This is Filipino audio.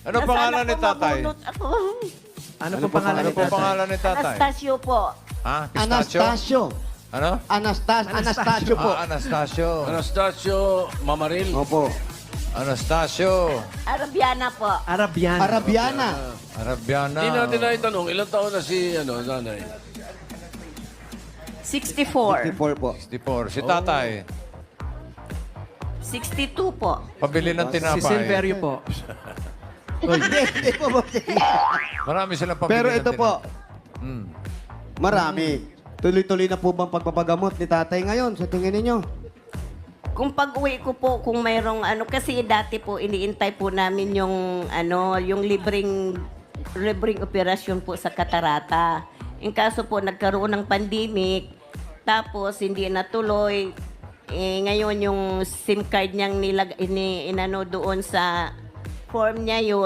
Ano pangalan ni tatay? Mabunot ako. Ano po pangalan Ano ni po tatay? pangalan ni tatay? Anastasio po. Ha? Pistachio? Anastasio. Ano? Anastasio po. Anastasio. Anastasio Mamaril. Opo. Anastasio. Arabiana po. Arabian. Arabiana. Arabiana. Hindi natin na itanong, ilang taon na si nanay? 64. 54 po. 64. Si tatay. 62 po. Pabili ng Si tinapay. Silverio po. Hindi po, boss. Marami silang pabili Pero ng ito po, tinapay. Hmm. marami. Tuloy-tuloy na po bang pagpapagamot ni tatay ngayon sa tingin ninyo? Kung pag-uwi ko po, kung mayroong kasi dati po, iniintay po namin yung, yung libreng operasyon po sa katarata. In kaso po, nagkaroon ng pandemic, tapos hindi natuloy. Ngayon, yung SIM card niyang inano doon sa form niya yun,